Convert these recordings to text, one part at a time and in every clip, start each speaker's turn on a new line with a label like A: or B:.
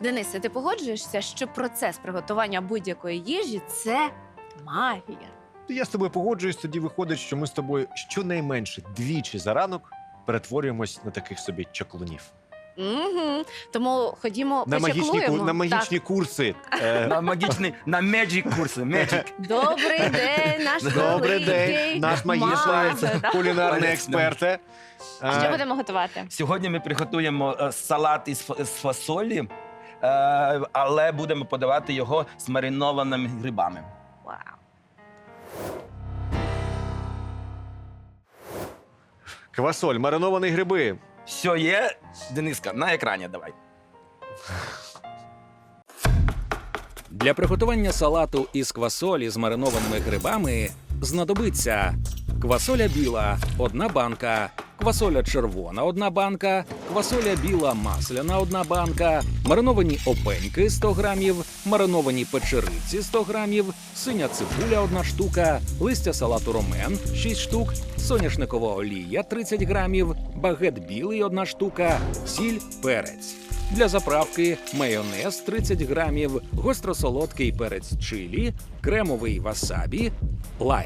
A: Денисе, ти погоджуєшся, що процес приготування будь-якої їжі – це магія?
B: Я з тобою погоджуюсь, тоді виходить, що ми з тобою щонайменше двічі за ранок перетворюємось на таких собі чаклунів.
A: Угу. Тому ходімо,
B: На
A: почаклуємо.
B: магічні курси.
C: На меджик курси. Меджик.
A: Добрий день, наш
B: Добрий день, наш магічний кулінарний експерт.
A: Що будемо готувати?
C: Сьогодні ми приготуємо салат із фасолі, але будемо подавати його з маринованими грибами.
A: Вау.
B: Квасоль, мариновані гриби.
C: Все є, Дениска, на екрані давай.
D: Для приготування салату із квасолі з маринованими грибами знадобиться квасоля біла – 1 банка, квасоля червона – 1 банка, квасоля біла масляна – 1 банка, мариновані опеньки – 100 грамів, мариновані печериці – 100 грамів, синя цибуля – 1 штука, листя салату ромен – 6 штук, соняшникова олія – 30 грамів, багет білий – 1 штука, сіль, перець. Для заправки майонез 30 грамів, гостросолодкий перець чилі, кремовий васабі, лайм.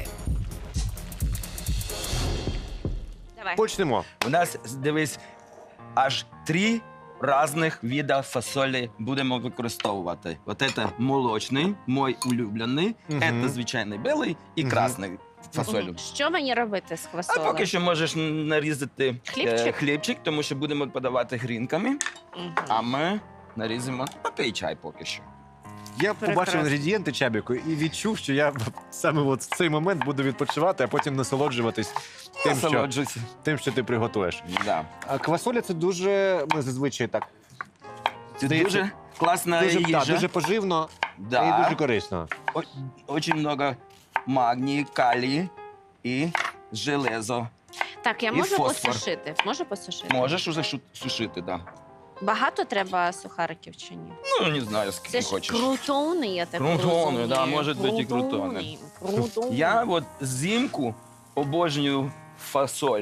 A: Давай.
B: Почнемо.
C: У нас, дивись, аж 3 різних види фасолі будемо використовувати. От це молочний, мій улюблений,
B: Мгм.
C: це звичайний білий і
B: Мгм.
C: красний фасолю.
A: Що мені робити з
C: А
A: квасолем?
C: поки що можеш нарізати
A: Хлібчик?
C: хлібчик, тому що будемо подавати грінками,
A: Мгм.
C: а ми нарізимо попий чай поки що.
B: Я побачив
A: Прекрасно.
B: інгредієнти, Чабіку, і відчув, що я саме от в цей момент буду відпочивати, а потім насолоджуватись
C: Насолоджуйся.
B: тим, що ти приготуєш.
C: Да.
B: А квасоля це дуже, ми зазвичай так,
C: Це
B: Здається,
C: дуже класна
B: дуже,
C: їжа.
B: дуже поживно
C: Да.
B: і дуже корисно.
C: Очень много магнію, калію і железо.
A: Так, я
C: І
A: можу
C: фосфор.
A: посушити? Можу посушити?
C: Можеш уже сушити, да.
A: Багато треба сухариків чи ні?
C: Ну, не знаю, скільки
A: Це ж
C: хочеш.
A: крутони, я так
C: Крутони,
A: розумію.
C: да, можуть бути і крутони.
A: Крутони.
C: Я от взимку обожнюю фасоль.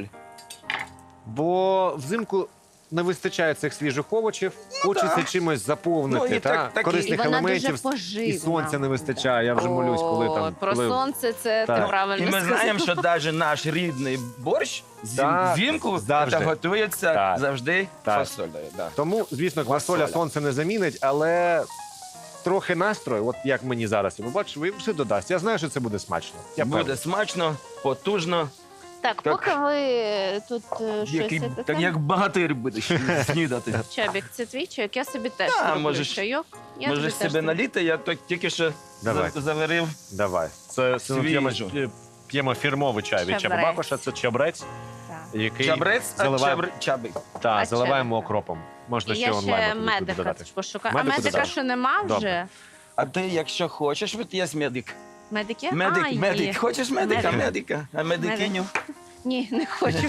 B: Бо взимку не вистачає цих свіжих овочів, хочеться
C: да.
B: чимось заповнити,
C: Ну, і так- так і-
A: І
B: корисних
A: вона
B: елементів.
A: дуже поживна.
B: І сонця не вистачає. Я вже молюсь, коли там.
A: Про
B: коли...
A: сонце це
B: Так.
A: ти правильно
C: І ми
A: сказав.
C: знаємо, що навіть наш рідний борщ
B: Так,
C: взимку
B: завжди.
C: готується
B: Так.
C: завжди
B: Так.
C: фасолею. Да.
B: Тому, звісно, квасоля
C: Квасоля.
B: сонце не замінить, але трохи настрою, от як мені зараз, ви бачите, все додасть. Я знаю, що це буде смачно. Я
C: Буде
B: певний.
C: смачно, потужно,
A: Так,
C: Так.
A: поки ви тут щось
C: так
A: таке.
C: як багатир будеш снідати.
A: Чабік, це твій чайок, я собі теж
C: Да,
A: роблю
C: можеш-
A: чайок. Я
C: Можеш
A: тобі теж
C: себе
A: роблю.
C: наліти, я тільки що
B: Давай.
C: заварив.
B: Давай. Це
C: Свіжу.
B: п'ємо фірмовий чай від
A: Чабрець.
B: Чабабакоша, це чабрець,
A: Так.
B: який
C: Чабрець, а
B: заливаємо,
C: чабик.
B: та,
A: А
B: заливаємо
A: чабреця.
B: окропом. Можна
A: І
B: ще
A: я
B: онлайн
A: ще
B: буде
A: медика
B: додати.
A: пошукаю.
B: Медику
A: А медика
B: додам.
A: що нема вже?
B: Добре.
C: А ти, якщо хочеш, от є медик.
A: Медик є?
C: Медик,
A: А, є.
C: медик. Хочеш медика?
A: Медик.
C: Медика. А медикиню?
A: Ні, не хочу.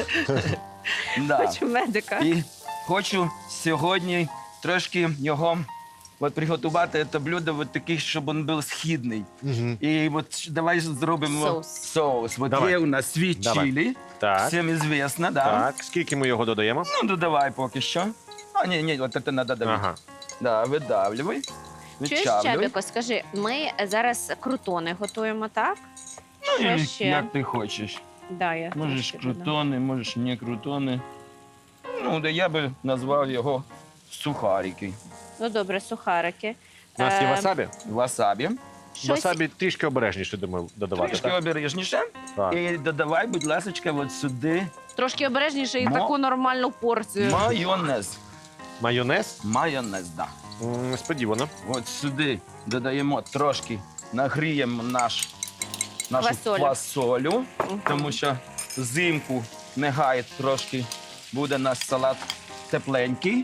C: Да.
A: Хочу медика.
C: І хочу сьогодні трошки його от приготувати це блюдо от таких, щоб він був східний.
B: Мгм.
C: І от давай зробимо соус. От
B: Давай.
C: є у нас світ
B: Давай.
C: чилі,
B: Так,
C: всім звісно, да?
B: так. Скільки ми його додаємо?
C: Ну, додавай поки що. А, ні, от це треба давити.
B: Ага.
C: Да, видавлюй.
A: Чуєш,
C: Відчавлюй.
A: Чабіко, скажи, ми зараз крутони готуємо, так?
C: Ну,
A: Що
C: і
A: ще?
C: як ти хочеш.
A: Да, я
C: Можеш
A: трошки додам.
C: крутони, можеш не крутони. Ну, да я би назвав його сухарики.
A: Ну, добре, сухарики.
B: У нас є
A: Е,
B: васабі.
C: Васабі.
A: Щось...
B: Васабі трішки обережніше, думаю, додавати.
C: Трішки
B: Так?
C: обережніше.
B: Так.
C: І додавай, будь ласка, от сюди
A: Трошки обережніше і
C: Мо-
A: таку нормальну порцію.
C: майонез.
B: Майонез?
C: Майонез, да.
B: Несподівано.
C: От сюди додаємо трошки, нагріємо нашу
A: Квасолю.
C: фасолю,
A: Мгм.
C: тому що взимку не гає трошки, буде наш салат тепленький.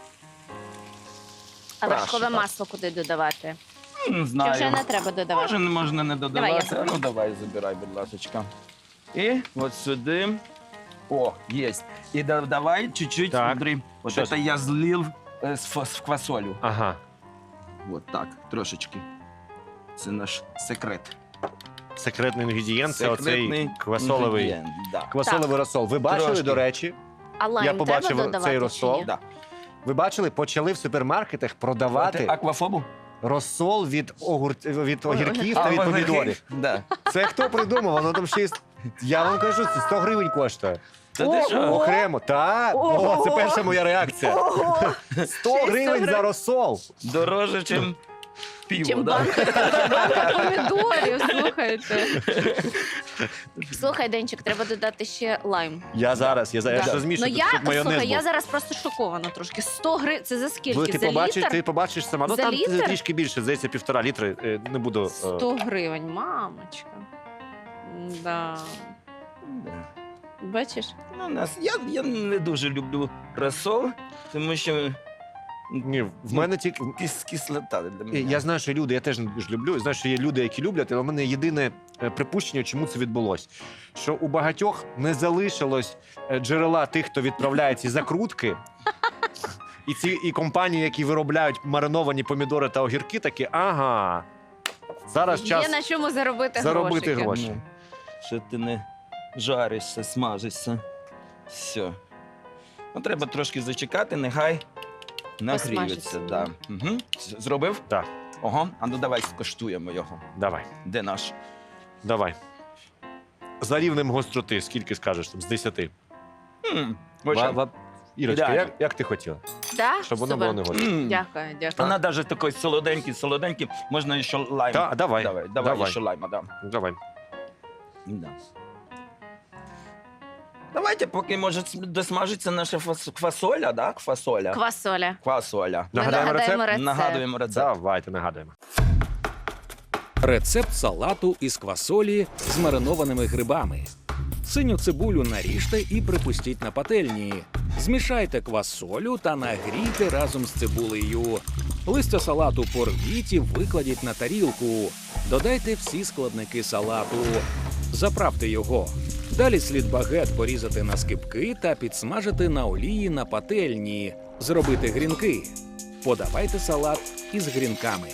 A: А
C: Краще,
A: вершкове
C: так.
A: масло куди додавати?
C: Не
A: Чи
C: знаю.
A: вже не треба додавати?
C: Можна не
A: Давай,
C: додавати.
A: я
C: Ну давай, забирай, будь ласка. І от сюди. О, є. І давай чуть-чуть,
B: Так.
C: смотри. От
B: Що
C: це я злив з квасолю.
B: Ага.
C: От так, трошечки. Це наш секрет.
B: Секретний інгредієнт це
C: Секретний
B: оцей квасоловий,
C: інгредієнт, да.
B: квасоловий розсол. Ви бачили,
C: Трошки.
B: до речі,
A: А лайм
B: я побачив
A: треба додавати
B: цей
A: чи
B: розсол.
A: ні?
C: Да.
B: Ви бачили, почали в супермаркетах продавати
C: Аквафобу?
B: розсол від огірків та від
C: Огірки?
B: помідорів.
C: Да.
B: Це хто придумав? Воно там ще я вам кажу, це 100 гривень коштує.
C: Та ти що?
B: Окремо. Так,
A: Ого!
B: це перша моя реакція.
A: Ого!
B: 100 гривень за розсол.
C: Дороже, чим пиво,
A: Чим
C: да?
A: банка помідорів, слухайте. Слухай, Денчик, треба додати ще лайм.
B: Я зараз
A: Да.
B: розмішую,
A: Ну,
B: щоб майонез
A: слухай,
B: був.
A: я зараз просто шокована трошки. 100 гривень, це за скільки?
B: Ти
A: За літр?
B: ти побачиш сама. Ну
A: За
B: там
A: літр?
B: трішки більше, здається, 1,5 літри. Не буду.
A: 100 гривень, мамочка. Да.
C: Да.
A: Бачиш?
C: Ну, я не дуже люблю розсол, тому що
B: Ні, в мене тільки.
C: кислота для мене.
B: Я знаю, що люди, я теж не дуже люблю. Знаю, що є люди, які люблять, але в мене єдине припущення, чому це відбулося. Що у багатьох не залишилось джерела тих, хто відправляє ці закрутки. І компанії, які виробляють мариновані помідори та огірки, такі, ага. Зараз час
A: Є на чому заробити
B: заробити
A: грошики.
B: гроші.
C: Ну, що ти не жаришся, смажишся. Все. Ну, треба трошки зачекати, нехай нагріється.
A: Посмажиться,
C: Да. Угу. Зробив?
B: Так.
C: Ого, а ну давай скоштуємо його.
B: Давай,
C: Де наш?
B: давай. За рівнем гостроти, скільки скажеш там, з 10?
C: Ва-
B: Ірочка,
C: Ідеально.
B: як ти хотіла?
A: Да?
B: Щоб воно
A: Супер.
B: було не гостро.
A: Дякую, дякую.
C: Вона навіть такий солоденький, можна ще лайм.
B: Так, давай.
C: Давай ще лайма, да.
B: Давай.
C: Да. Давайте, поки може досмажиться наша фасоля, да? Квасоля.
A: Квасоля.
C: Квасоля.
A: Ми
B: Нагадаємо
A: нагадаємо
B: рецепт?
A: рецепт.
C: Нагадуємо рецепт.
B: Давайте, нагадуємо.
D: Рецепт салату із квасолі з маринованими грибами. Синю цибулю наріжте і припустіть на пательні. Змішайте квасолю та нагрійте разом з цибулею. Листя салату порвіть і викладіть на тарілку. Додайте всі складники салату. Заправте його. Далі слід багет порізати на скибки та підсмажити на олії на пательні. Зробити грінки. Подавайте салат із грінками.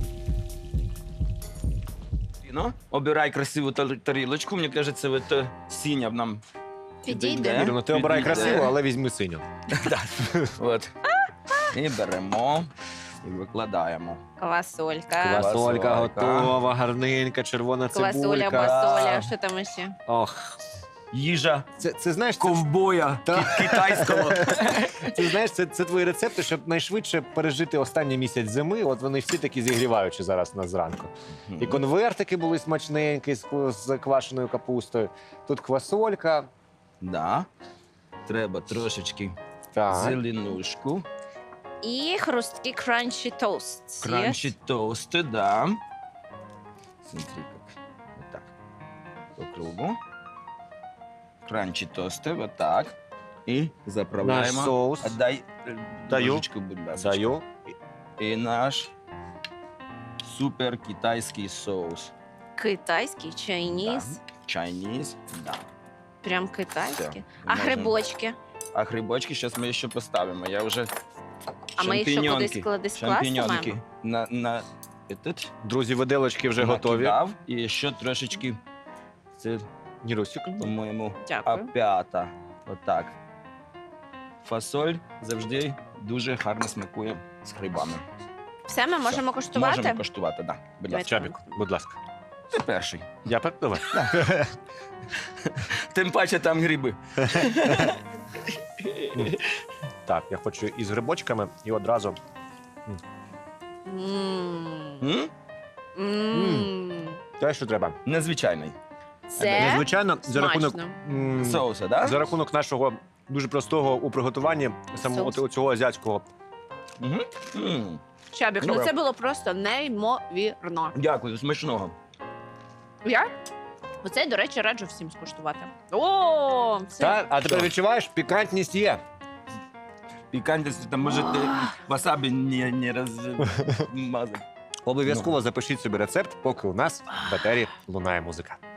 C: Ну, обирай красиву тарілочку. Мені кажеться, от синя нам
A: Підійде.
B: Ірино, ти обирай
C: Підійде.
B: красиво, але візьми синю.
C: От. І беремо і викладаємо.
A: Квасолька.
C: Квасолька.
B: Квасолька готова, гарненька, червона
A: Квасоля,
B: цибулька.
A: басоля, що там ще?
B: Ох,
C: Їжа
B: це знаєш,
C: ковбоя
B: Та.
C: китайського.
B: ти знаєш, це твої рецепти, щоб найшвидше пережити останній місяць зими. От вони всі такі зігріваючі зараз на зранку. І конвертики були смачненькі з квашеною капустою. Тут квасолька.
C: Да. Треба трошечки
B: Так.
C: зеленушку.
A: І хрусткі кранчі тост.
C: Кранчі тости, да. Смотри, как. Вот так. По кругу. Кранчі тости, вот так. І
B: Наш
C: заправляємо.
B: соус.
C: А дай
B: Даю.
C: ложечку, будь ласка.
B: Даю.
C: І наш супер китайський соус.
A: Китайський, чайніс.
C: Chinese, да.
A: Прям китайський.
C: Все,
A: А
C: можемо.
A: грибочки?
C: А грибочки зараз ми ще поставимо. Я вже
A: А ми їх що кудись кладись
C: шампіньонки
A: класти
C: на этот
B: Друзі, виделочки вже готові.
C: накидав. І ще трошечки, це,
B: Нірусик.
C: по-моєму,
A: Дякую.
C: опята. Отак. Фасоль завжди дуже гарно смакує з грибами.
A: Все, ми можемо коштувати?
C: Можемо коштувати, так. Да. Будь ласка.
B: Чабік, будь ласка.
C: Ти перший.
B: Я давай.
C: Тим паче там гриби.
B: Так, я хочу із грибочками і одразу.
A: М.
C: М?
A: М.
B: Те, що треба.
C: Незвичайний.
A: Це
B: Незвичайно, за рахунок,
A: смачно.
C: Соуса, так?
B: за рахунок нашого дуже простого у приготуванні самого
A: Соус.
B: цього азіатського.
C: Угу.
A: Чабік, ну
C: Добре.
A: це було просто неймовірно.
C: Дякую, смачного.
A: Я? Оце, до речі, раджу всім скуштувати. О, це
B: Так, а тепер
C: Що?
B: відчуваєш, пікантність є.
C: Пікантність, там може ти васабі не розмазати.
B: Обов'язково запишіть собі рецепт, поки у нас в етері лунає музика.